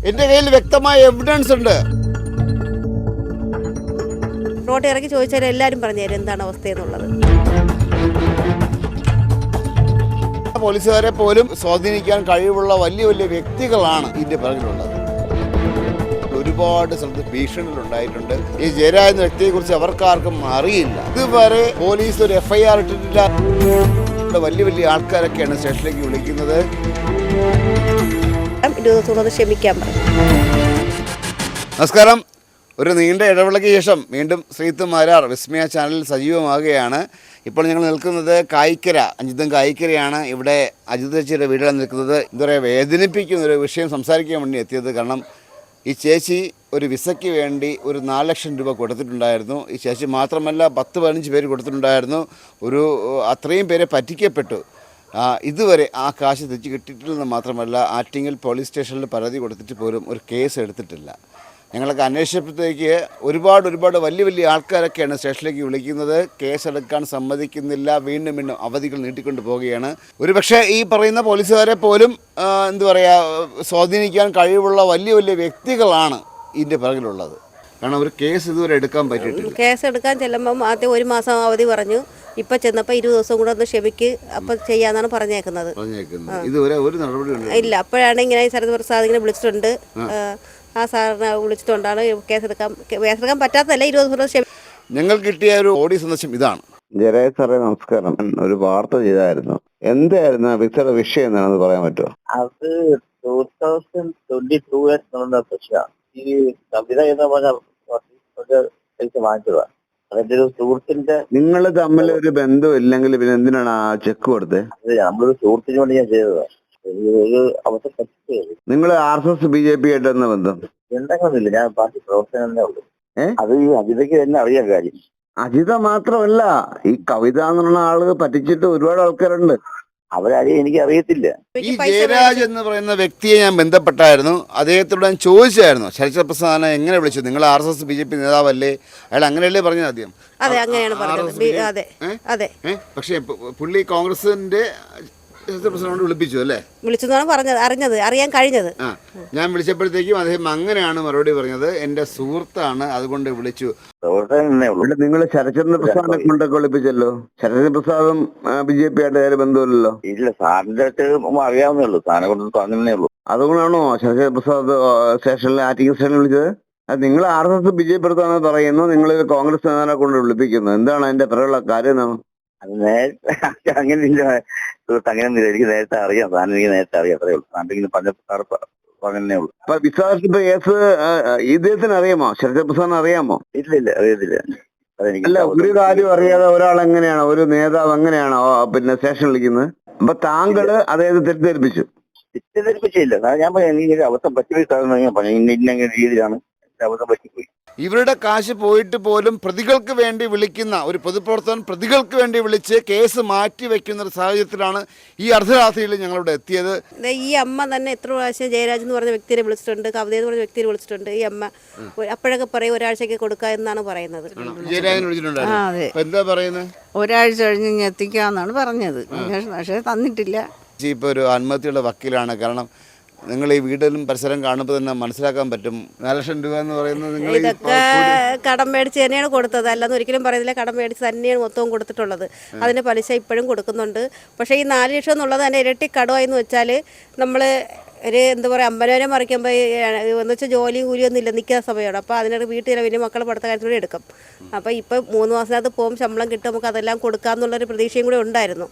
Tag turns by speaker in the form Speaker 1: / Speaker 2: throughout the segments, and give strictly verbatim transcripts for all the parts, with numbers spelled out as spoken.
Speaker 1: എൻ്റെ കയ്യിൽ വ്യക്തമായ എവിഡൻസ് ഉണ്ട്.
Speaker 2: റോഡ് ഇറക്കി ചോദിച്ചാൽ എല്ലാവരും പറഞ്ഞുതരും എന്താണ് അവസ്ഥയെന്നുള്ളത്.
Speaker 1: പോലീസുകാരെ പോലും സ്വാധീനിക്കാൻ കഴിവുള്ള വലിയ വലിയ വ്യക്തികളാണ് ഇതിന്റെ പിറകിലുള്ളത്. ഒരുപാട് സ്ഥലത്ത് ഭീഷണികൾ ഉണ്ടായിട്ടുണ്ട്. ഈ ജയരാജ് എന്ന വ്യക്തിയെ കുറിച്ച് അവർക്കാർക്കും അറിയില്ല. ഇതുവരെ പോലീസ് ഒരു എഫ് ഐ ആർ ഇട്ടിട്ടില്ല. വലിയ വലിയ ആൾക്കാരൊക്കെയാണ് സ്റ്റേഷനിലേക്ക് വിളിക്കുന്നത്.
Speaker 2: ക്ഷമിക്കാൻ
Speaker 1: നമസ്കാരം. ഒരു നീണ്ട ഇടവേളയ്ക്ക് ശേഷം വീണ്ടും ശ്രീത്ത് മാരാർ വിസ്മയ ചാനലിൽ സജീവമാകുകയാണ്. ഇപ്പോൾ ഞങ്ങൾ നിൽക്കുന്നത് കായിക്കര, അജിതം കായിക്കരയാണ്. ഇവിടെ അജിത് ചേച്ചിയുടെ വീട്ടിലാണ് നിൽക്കുന്നത്. എന്താ പറയുക, വേദനിപ്പിക്കുന്ന ഒരു വിഷയം സംസാരിക്കാൻ വേണ്ടി എത്തിയത്. കാരണം ഈ ചേച്ചി ഒരു വിസയ്ക്ക് വേണ്ടി ഒരു നാല് ലക്ഷം രൂപ കൊടുത്തിട്ടുണ്ടായിരുന്നു. ഈ ചേച്ചി മാത്രമല്ല, പത്ത് പതിനഞ്ച് പേര് കൊടുത്തിട്ടുണ്ടായിരുന്നു. ഒരു അത്രയും പേരെ പറ്റിക്കപ്പെട്ടു. ഇതുവരെ ആ കാശ് തിരിച്ച് കിട്ടിയിട്ടില്ലെന്ന് മാത്രമല്ല, ആറ്റിങ്ങൽ പോലീസ് സ്റ്റേഷനിൽ പരാതി കൊടുത്തിട്ട് പോലും ഒരു കേസ് എടുത്തിട്ടില്ല. ഞങ്ങളൊക്കെ അന്വേഷിച്ചപ്പോഴത്തേക്ക് ഒരുപാട് ഒരുപാട് വലിയ വലിയ ആൾക്കാരൊക്കെയാണ് സ്റ്റേഷനിലേക്ക് വിളിക്കുന്നത്. കേസെടുക്കാൻ സമ്മതിക്കുന്നില്ല. വീണ്ടും വീണ്ടും അവധികൾ നീട്ടിക്കൊണ്ട് പോവുകയാണ്. ഒരുപക്ഷെ ഈ പറയുന്ന പോലീസുകാരെ പോലും എന്താ പറയുക, സ്വാധീനിക്കാൻ കഴിവുള്ള വലിയ വലിയ വ്യക്തികളാണ് ഇതിൻ്റെ പിറകിലുള്ളത്. കാരണം ഒരു കേസ് ഇതുവരെ എടുക്കാൻ പറ്റിയിട്ടില്ല.
Speaker 2: കേസ് എടുക്കാൻ ചെല്ലുമ്പം ആദ്യം ഒരു മാസം അവധി പറഞ്ഞു. ഇപ്പൊ ചെന്നപ്പോൾ ഇരുപത് ദിവസം കൂടെ ഒന്ന് ക്ഷമിക്ക്, അപ്പം ചെയ്യാന്നാണ് പറഞ്ഞേക്കുന്നത്.
Speaker 1: ഇതുവരെ ഒരു നടപടി
Speaker 2: ഇല്ല. അപ്പോഴാണ് ഇങ്ങനെ ശരത് പ്രസാദ് ഇങ്ങനെ വിളിച്ചിട്ടുണ്ട്. ആ സാറിനെ വിളിച്ചിട്ടുണ്ടാണ് കേസെടുക്കാൻ കേസെടുക്കാൻ പറ്റാത്തതല്ല, ഇരുപത് ദിവസം ക്ഷമി.
Speaker 1: ഞങ്ങൾ കിട്ടിയ ഒരു ഓഡിയോ സന്ദേശം ഇതാണ്.
Speaker 3: ജയരാജ് സാറേ നമസ്കാരം. ഒരു വാർത്ത ചെയ്തായിരുന്നു. എന്തായിരുന്നു വിസയുടെ വിഷയം എന്താണെന്ന് പറയാൻ പറ്റുമോ?
Speaker 4: അത് ടൂ തൗസൻഡ് ട്വന്റി ടൂ ഈ കവിത എന്ന് പറഞ്ഞ വാങ്ങിച്ചതാ. അതിന്റെ ഒരു സുഹൃത്തിന്റെ.
Speaker 3: നിങ്ങൾ തമ്മിൽ ഒരു ബന്ധം ഇല്ലെങ്കിൽ പിന്നെ എന്തിനാണ് ആ ചെക്ക് കൊടുത്തത്?
Speaker 4: അത് നമ്മളൊരു സുഹൃത്തിന് വേണ്ടി ഞാൻ ചെയ്തതാ. ഒരു അവസ്ഥ പറ്റിയത്.
Speaker 3: നിങ്ങൾ R S S B J P ആയിട്ട് എന്താ ബന്ധം?
Speaker 4: എന്തെങ്കിലൊന്നുമില്ല, ഞാൻ പാർട്ടി പ്രവർത്തനം ഉള്ളൂ. അത് ഈ അജിതയ്ക്ക് തന്നെ അറിയാൻ കാര്യം.
Speaker 3: അജിത മാത്രമല്ല, ഈ കവിത എന്നുള്ള ആള് പറ്റിച്ചിട്ട് ഒരുപാട് ആൾക്കാരുണ്ട്.
Speaker 4: അവരാരെയും എനിക്ക് അറിയത്തില്ല.
Speaker 1: ഈ ജയരാജ് എന്ന് പറയുന്ന വ്യക്തിയെ ഞാൻ ബന്ധപ്പെട്ടായിരുന്നു. അദ്ദേഹത്തോട് ഞാൻ ചോദിച്ചായിരുന്നു, ശരത് പ്രസാദിനെ എങ്ങനെ വിളിച്ചു? നിങ്ങൾ R S S B J P നേതാവല്ലേ? അയാൾ അങ്ങനെയല്ലേ പറഞ്ഞത് ആദ്യം?
Speaker 2: അതെ, അങ്ങനെയാണ് പറഞ്ഞത്. അതെ അതെ.
Speaker 1: പക്ഷേ പുള്ളി കോൺഗ്രസിന്റെ പ്രസിഡന്റ് വിളിപ്പിച്ചു അല്ലേ?
Speaker 2: വിളിച്ചെന്നാണ് പറഞ്ഞത്, അറിഞ്ഞത്, അറിയാൻ കഴിഞ്ഞത്.
Speaker 1: ആ, ഞാൻ വിളിച്ചപ്പോഴത്തേക്കും അദ്ദേഹം അങ്ങനെയാണ് മറുപടി പറഞ്ഞത്. എന്റെ സുഹൃത്താണ്, അതുകൊണ്ട് വിളിച്ചു.
Speaker 3: നിങ്ങൾ ശരത്ചന്ദ്ര പ്രസാദിനെ കൊണ്ടൊക്കെ വിളിപ്പിച്ചല്ലോ. ശരത്ചന്ദ്ര പ്രസാദും ബി ജെ പി ആയിട്ട് വേറെ ബന്ധമില്ലല്ലോ.
Speaker 4: ഇല്ല, സാറിന്റെ അടുത്ത് അറിയാവുന്നേ ഉള്ളൂ. സാറിനെ കൊണ്ട് അങ്ങനെ ഉള്ളൂ.
Speaker 3: അതുകൊണ്ടാണോ ശരത്ചന്ദ്ര പ്രസാദ് സ്റ്റേഷനിൽ ആറ്റിങ്ങൽ സ്റ്റേഷനിൽ വിളിച്ചത്? അത് നിങ്ങൾ R S S B J P എടുത്താണെന്ന് പറയുന്നു. നിങ്ങൾ കോൺഗ്രസ് നേതാവിനെ കൊണ്ട് വിളിപ്പിക്കുന്നു. എന്താണ് അതിന്റെ പിറകുള്ള കാര്യം? എന്താണ്?
Speaker 4: അത് നേരത്തെ അങ്ങനെ ഇല്ല സുഹൃത്ത്, അങ്ങനെ എനിക്ക് നേരത്തെ അറിയാം. സാറിന് എനിക്ക് നേരത്തെ അറിയാം, അത്രേ ഉള്ളൂ. സാറിന് പറഞ്ഞ പറഞ്ഞേ ഉള്ളൂ.
Speaker 3: അപ്പൊ വിശ്വാസ കേസ് ഇദ്ദേഹത്തിന് അറിയാമോ? ശരത് പ്രസാദിന് അറിയാമോ?
Speaker 4: ഇല്ല ഇല്ല അറിയത്തില്ല.
Speaker 3: അല്ല, ഒരു കാര്യം അറിയാതെ ഒരാൾ എങ്ങനെയാണോ, ഒരു നേതാവ് എങ്ങനെയാണോ പിന്നെ സ്റ്റേഷൻ വിളിക്കുന്നത്? അപ്പൊ താങ്കള് അദ്ദേഹത്തെ തെറ്റിദ്ധരിപ്പിച്ചു.
Speaker 4: തെറ്റിദ്ധരിപ്പിച്ചില്ല. ഞാൻ പറഞ്ഞു അവസ്ഥ പറ്റിപ്പോയി പറഞ്ഞു, ഇന്ന രീതിയിലാണ് അവസ്ഥ പറ്റിപ്പോയി.
Speaker 1: ഇവരുടെ കാശ് പോയിട്ട് പോലും പ്രതികൾക്ക് വേണ്ടി വിളിക്കുന്ന ഒരു പൊതുപ്രവർത്തകൻ പ്രതികൾക്ക് വേണ്ടി വിളിച്ച് കേസ് മാറ്റി വെക്കുന്ന ഒരു സാഹചര്യത്തിലാണ് ഈ അർദ്ധരാത്രിയിൽ ഞങ്ങളിവിടെ എത്തിയത്.
Speaker 2: ഈ അമ്മ തന്നെ എത്ര പ്രാവശ്യം ജയരാജ് എന്ന് പറഞ്ഞ വ്യക്തിയെ വിളിച്ചിട്ടുണ്ട്, കവിത എന്ന് പറഞ്ഞ വ്യക്തിയെ വിളിച്ചിട്ടുണ്ട്. ഈ അമ്മ അപ്പോഴൊക്കെ പറയും ഒരാഴ്ചക്ക് കൊടുക്കുക എന്നാണ് പറയുന്നത്.
Speaker 1: ജയരാജനെ വിളിച്ചിട്ടുണ്ടായിരുന്നു. എന്താ പറയുന്നത്?
Speaker 5: ഒരാഴ്ച കഴിഞ്ഞ് ഇനി എത്തിക്കാന്നാണ് പറഞ്ഞത്. പക്ഷേ തന്നിട്ടില്ല.
Speaker 1: ഇപ്പോൾ ഒരു ആത്മഹത്യയുടെ വക്കീലാണ്. കാരണം നിങ്ങൾ ഈ വീട്ടിലും പരിസരം കാണുമ്പോൾ തന്നെ മനസ്സിലാക്കാൻ പറ്റും. നാല് ലക്ഷം രൂപ എന്ന് പറയുന്നത് നിങ്ങൾ
Speaker 2: ഇതൊക്കെ കടം മേടിച്ച് തന്നെയാണ് കൊടുത്തത്. അല്ലെന്ന് ഒരിക്കലും പറയുന്നില്ല. കടം മേടിച്ച് തന്നെയാണ് മൊത്തവും കൊടുത്തിട്ടുള്ളത്. അതിൻ്റെ പലിശ ഇപ്പോഴും കൊടുക്കുന്നുണ്ട്. പക്ഷേ ഈ നാല് ലക്ഷം എന്നുള്ളത് തന്നെ ഇരട്ടി കടമായി എന്ന് വെച്ചാൽ നമ്മൾ ഒരു എന്താ പറയുക, അമ്പതിനായിരം മറിക്കുമ്പോൾ എന്ന് വെച്ചാൽ ജോലിയും കൂലിയൊന്നും ഇല്ല, നിൽക്കുന്ന സമയമാണ്. അപ്പോൾ അതിനൊരു വീട്ടിൽ വലിയ മക്കളെ പഠിത്ത കാര്യത്തിലൂടെ എടുക്കും. അപ്പോൾ ഇപ്പോൾ മൂന്ന് മാസത്തിനകത്ത് പോകും, ശമ്പളം കിട്ടും, നമുക്ക് അതെല്ലാം കൊടുക്കാമെന്നുള്ളൊരു പ്രതീക്ഷയും കൂടെ ഉണ്ടായിരുന്നു.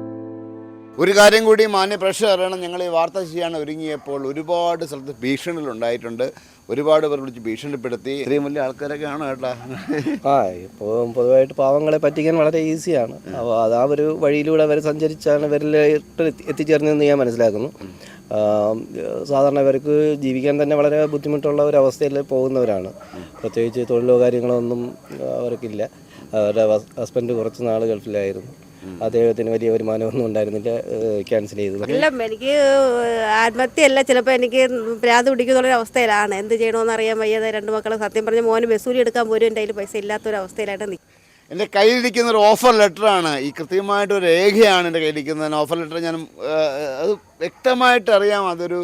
Speaker 1: ഒരു കാര്യം കൂടി മാന്യ പ്രേക്ഷകർ അറിയണം. ഞങ്ങൾ ഈ വാർത്ത ചെയ്യാൻ ഒരുങ്ങിയപ്പോൾ ഒരുപാട് സ്ഥലത്ത് ഭീഷണികൾ ഉണ്ടായിട്ടുണ്ട്. ഒരുപാട് പേർ വിളിച്ച് ഭീഷണിപ്പെടുത്തി. ഇത്രയും വലിയ ആൾക്കാരൊക്കെ ആണോ കേട്ടാ?
Speaker 6: ആ ഇപ്പോൾ പൊതുവായിട്ട് പാവങ്ങളെ പറ്റിക്കാൻ വളരെ ഈസിയാണ്. അപ്പോൾ അത് ആ ഒരു വഴിയിലൂടെ അവർ സഞ്ചരിച്ചാണ് ഇവരിലോട്ട് എത്തിച്ചേർന്നതെന്ന് ഞാൻ മനസ്സിലാക്കുന്നു. സാധാരണ ഇവർക്ക് ജീവിക്കാൻ തന്നെ വളരെ ബുദ്ധിമുട്ടുള്ള ഒരു അവസ്ഥയിൽ പോകുന്നവരാണ്. പ്രത്യേകിച്ച് തൊഴിലോ കാര്യങ്ങളോ ഒന്നും അവർക്കില്ല. അവരുടെ ഹസ്ബൻഡ് കുറച്ച് നാൾ ഗൾഫിലായിരുന്നു. അദ്ദേഹത്തിന് വലിയ വരുമാനമൊന്നും ഉണ്ടായിരുന്നില്ല, ക്യാൻസൽ ചെയ്തു.
Speaker 2: അല്ല, എനിക്ക് ആത്മഹത്യയല്ല, ചിലപ്പോൾ എനിക്ക് ഭ്രാന്ത് പിടിക്കുന്നുള്ളൊരു അവസ്ഥയിലാണ്. എന്ത് ചെയ്യണമെന്ന് അറിയാൻ വയ്യാതെ രണ്ട് മക്കളെ സത്യം പറഞ്ഞ മോന് ബസ്സൂലി എടുക്കാൻ പോലും എൻ്റെ കയ്യിൽ പൈസ ഇല്ലാത്തൊരവസ്ഥയിലായിട്ട് നിൽക്കും.
Speaker 1: എൻ്റെ കയ്യിലിരിക്കുന്ന ഒരു ഓഫർ ലെറ്ററാണ്. ഈ കൃത്യമായിട്ടൊരു രേഖയാണ് എൻ്റെ കയ്യിലിരിക്കുന്നത്. ഓഫർ ലെറ്റർ ഞാൻ അത് വ്യക്തമായിട്ട് അറിയാം. അതൊരു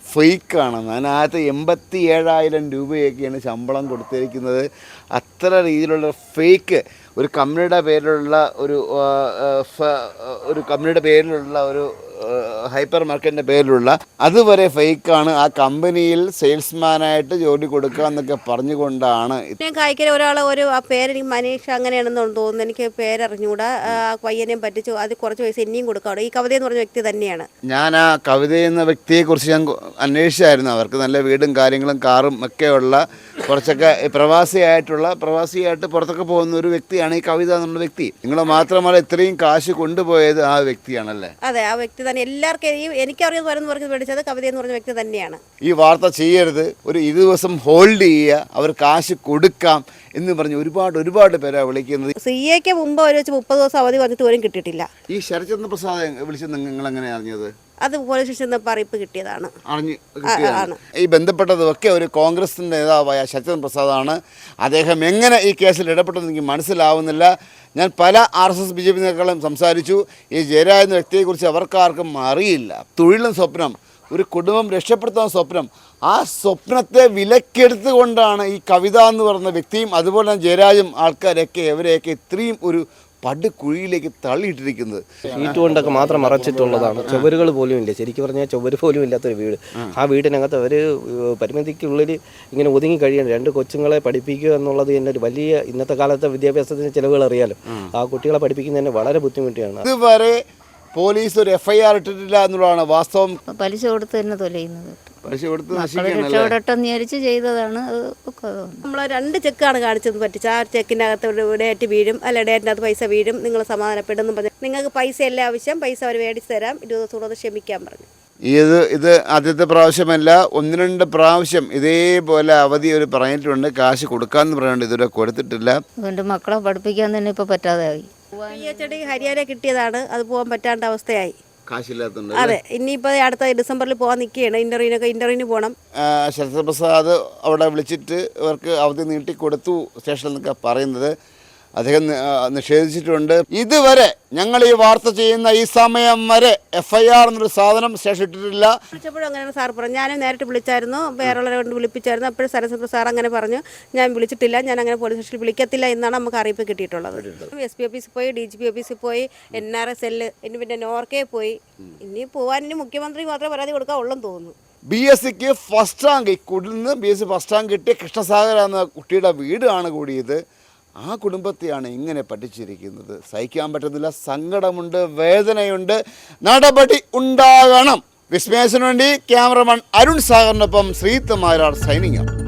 Speaker 1: ഫേക്കാണെന്ന്. അതിനകത്ത് എൺപത്തി ഏഴായിരം രൂപയൊക്കെയാണ് ശമ്പളം കൊടുത്തിരിക്കുന്നത്. അത്ര രീതിയിലുള്ള ഫേക്ക് ഒരു കമ്പനിയുടെ പേരിലുള്ള ഒരു ആ, ആ, ഫ- ഒരു കമ്പനിയുടെ പേരിലുള്ള ഒരു ഹൈപ്പർ മാർക്കറ്റിൻ്റെ പേരിലുള്ള അതുവരെ ഫേക്കാണ്. ആ കമ്പനിയിൽ സെയിൽസ്മാനായിട്ട് ജോലി കൊടുക്കുക എന്നൊക്കെ പറഞ്ഞുകൊണ്ടാണ് ഇത്.
Speaker 2: ഞാൻ കായ്ക്കര ഒരാൾ ഒരു ആ പേരെനിക്ക് മനീഷ് അങ്ങനെയാണെന്ന് തോന്നുന്നു, എനിക്ക് പേരറിഞ്ഞുകൂടാ. ആ പയ്യനെയും പറ്റിച്ചു, അത് കുറച്ച് പൈസ ഇനിയും കൊടുക്കാം. ഈ കവിത എന്ന് പറഞ്ഞ വ്യക്തി തന്നെയാണ്.
Speaker 1: ഞാൻ ആ കവിത എന്ന വ്യക്തിയെക്കുറിച്ച് ഞാൻ കൊ- അന്വേഷിച്ചായിരുന്നു. അവർക്ക് നല്ല വീടും കാര്യങ്ങളും കാറും ഒക്കെയുള്ള കുറച്ചൊക്കെ പ്രവാസിയായിട്ടുള്ള പ്രവാസിയായിട്ട് പുറത്തൊക്കെ പോകുന്ന ഒരു വ്യക്തിയാണ് ഈ കവിത എന്നുള്ള വ്യക്തി. നിങ്ങൾ മാത്രമല്ല ഇത്രയും കാശ് കൊണ്ടുപോയത് ആ വ്യക്തിയാണല്ലേ?
Speaker 2: അതെ, ആ വ്യക്തി തന്നെ. എല്ലാവർക്കും ഈ എനിക്കറിയാൻ വരുന്ന പറഞ്ഞ് മേടിച്ചത് കവിത എന്ന് പറഞ്ഞ വ്യക്തി തന്നെയാണ്.
Speaker 1: ഈ വാർത്ത ചെയ്യരുത്, ഒരു ഇത് ദിവസം ഹോൾഡ് ചെയ്യുക, അവർ കാശ് കൊടുക്കാം എന്ന് പറഞ്ഞ് ഒരുപാട് ഒരുപാട് പേരാ വിളിക്കുന്നത്.
Speaker 2: സി എക്ക് മുമ്പ് അവർ വെച്ച് മുപ്പത് ദിവസം അവധി വന്നിട്ട് പോലും കിട്ടിയിട്ടില്ല.
Speaker 1: ഈ ശരത്ചന്ദ്ര പ്രസാദ് വിളിച്ചത് നിങ്ങൾ എങ്ങനെ അറിഞ്ഞത്?
Speaker 2: അത് പോലീസ് സ്റ്റേഷനിൽ നിന്ന് അറിയിപ്പ് കിട്ടിയതാണ്.
Speaker 1: അറിഞ്ഞ്
Speaker 2: ആണ്.
Speaker 1: കിട്ടിയതാണ്. ഈ ബന്ധപ്പെട്ടതൊക്കെ ഒരു കോൺഗ്രസിൻ്റെ നേതാവായ ശരത്ചന്ദ്ര പ്രസാദാണ്. അദ്ദേഹം എങ്ങനെ ഈ കേസിൽ ഇടപെട്ടെന്ന് എനിക്ക് മനസ്സിലാവുന്നില്ല. ഞാൻ പല R S S B J P നേതാക്കളും സംസാരിച്ചു. ഈ ജയരാജ് എന്ന വ്യക്തിയെക്കുറിച്ച് അവർക്കാർക്കും അറിയില്ല. തൊഴിലും സ്വപ്നം, ഒരു കുടുംബം രക്ഷപ്പെടുത്താൻ സ്വപ്നം, ആ സ്വപ്നത്തെ വിലക്കെടുത്തുകൊണ്ടാണ് ഈ കവിത എന്ന് പറയുന്ന വ്യക്തിയും അതുപോലെ തന്നെ ജയരാജും ആൾക്കാരൊക്കെ ഇവരെയൊക്കെ ഇത്രയും ഒരു പടുകുഴിയിലേക്ക് തള്ളിയിട്ടിരിക്കുന്നത്.
Speaker 6: ഷീറ്റ് കൊണ്ടൊക്കെ മാത്രം മറച്ചിട്ടുള്ളതാണ്. ചുവരുകൾ പോലും ഇല്ല. ശരിക്കും പറഞ്ഞാൽ ചുവര് പോലും ഇല്ലാത്തൊരു വീട്. ആ വീടിനകത്ത് അവർ പരിമിതിക്കുള്ളിൽ ഇങ്ങനെ ഒതുങ്ങി കഴിയണം. രണ്ട് കൊച്ചുങ്ങളെ പഠിപ്പിക്കുക എന്നുള്ളത് തന്നെ ഒരു വലിയ, ഇന്നത്തെ കാലത്തെ വിദ്യാഭ്യാസത്തിന് ചിലവുകൾ അറിയാലോ. ആ കുട്ടികളെ പഠിപ്പിക്കുന്നതിന് വളരെ ബുദ്ധിമുട്ടിയാണ്.
Speaker 1: ഇതുവരെ പോലീസ് ഒരു എഫ് ഐ ആർ ഇട്ടിട്ടില്ല എന്നുള്ളതാണ് വാസ്തവം.
Speaker 5: പലിശ കൊടുത്ത് തന്നെ തൊലയുന്നത്.
Speaker 1: പലിശ കൊടുത്ത്
Speaker 5: മക്കളെ
Speaker 1: നശിക്കാനല്ലേ?
Speaker 5: രക്ഷപ്പെടട്ടെന്ന് വിചാരിച്ച് ചെയ്തതാണ്. അത് ഒക്കെ
Speaker 2: നമ്മൾ രണ്ട് ചെക്കാണ് കാണിച്ചത് പറ്റിച്ച്. ആ ചെക്കിൻ്റെ അകത്ത് ഒരു ഡേറ്റ് വീഴും, അല്ല ഡേറ്റിനകത്ത് പൈസ വീഴും, നിങ്ങൾ സമാധാനപ്പെടുന്നു പറഞ്ഞു. നിങ്ങൾക്ക് പൈസ അല്ല ആവശ്യം, പൈസ അവർ മേടിച്ച് തരാം, ഇരുപത് ദിവസം കൂടെ ക്ഷമിക്കാൻ പറഞ്ഞു.
Speaker 1: ഇത് ഇത് ആദ്യത്തെ പ്രാവശ്യമല്ല, ഒന്ന് രണ്ട് പ്രാവശ്യം ഇതേപോലെ അവധി ഒരു പറഞ്ഞിട്ടുണ്ട്. കാശ് കൊടുക്കാമെന്ന് പറയുന്നുണ്ട്, ഇതുവരെ കൊടുത്തിട്ടില്ല.
Speaker 5: അതുകൊണ്ട് മക്കളെ പഠിപ്പിക്കാൻ തന്നെ ഇപ്പോൾ പറ്റാതെയായി.
Speaker 2: പി എച്ച് ഡി ഹരിയാന കിട്ടിയതാണ്, അത് പോകാൻ പറ്റാണ്ട അവസ്ഥയായി.
Speaker 1: കാശില്ലാത്തതുണ്ട്.
Speaker 2: അതെ, ഇനിയിപ്പോൾ അടുത്ത ഡിസംബറിൽ പോകാൻ നിൽക്കുകയാണ്. ഇൻ്റർവ്യൂവിനൊക്കെ ഇൻ്റർവ്യൂവിന് പോകണം.
Speaker 1: ശരത്പ്രസാദ് അവിടെ വിളിച്ചിട്ട് ഇവർക്ക് അവധി നീട്ടിക്കൊടുത്തു സ്റ്റേഷനിൽ നിന്നൊക്കെ പറയുന്നത്. അദ്ദേഹം നി- ആ, നിഷേധിച്ചിട്ടുണ്ട്. ഇതുവരെ ഞങ്ങൾ ഈ വാർത്ത ചെയ്യുന്ന ഈ സമയം വരെ എഫ് ഐ ആർ എന്നൊരു സാധനം സ്റ്റേഷൻ ഇട്ടിട്ടില്ല.
Speaker 2: വിളിച്ചപ്പോഴും അങ്ങനെയാണ് സാർ പറഞ്ഞു. ഞാനും നേരിട്ട് വിളിച്ചായിരുന്നു, വേറെയുള്ളവരെ കൊണ്ട് വിളിപ്പിച്ചായിരുന്നു. അപ്പോഴും സരസ്വതി സാർ അങ്ങനെ പറഞ്ഞു, ഞാൻ വിളിച്ചിട്ടില്ല, ഞാൻ അങ്ങനെ പോലീസ് സ്റ്റേഷനിൽ വിളിക്കത്തില്ല എന്നാണ് നമുക്ക് അറിയിപ്പ് കിട്ടിയിട്ടുള്ളത്. എസ് പി ഓഫീസിൽ പോയി, ഡി ജി പി ഓഫീസിൽ പോയി, എൻ ആർ എസ് എല്ല്, ഇനി പിന്നെ നോർക്കേ പോയി. ഇനി പോകാൻ ഇനി മുഖ്യമന്ത്രി മാത്രമേ പരാതി കൊടുക്കാവുള്ളെന്ന് തോന്നുന്നു.
Speaker 1: ബി എസ് സിക്ക് ഫസ്റ്റ് റാങ്ക്, ഈ കുടിന്ന് B S C first rank കിട്ടിയ കൃഷ്ണസാഗർ എന്ന കുട്ടിയുടെ വീടാണ് കൂടിയത്. ആ കുടുംബത്തെയാണ് ഇങ്ങനെ പഠിച്ചിരിക്കുന്നത്. സഹിക്കാൻ പറ്റുന്നില്ല, സങ്കടമുണ്ട്, വേദനയുണ്ട്. നടപടി ഉണ്ടാകണം. വിസ്മയസിനു വേണ്ടി ക്യാമറമാൻ അരുൺ സാഗറിനൊപ്പം ശ്രീത്ത് മാരാർ സൈനിങ്.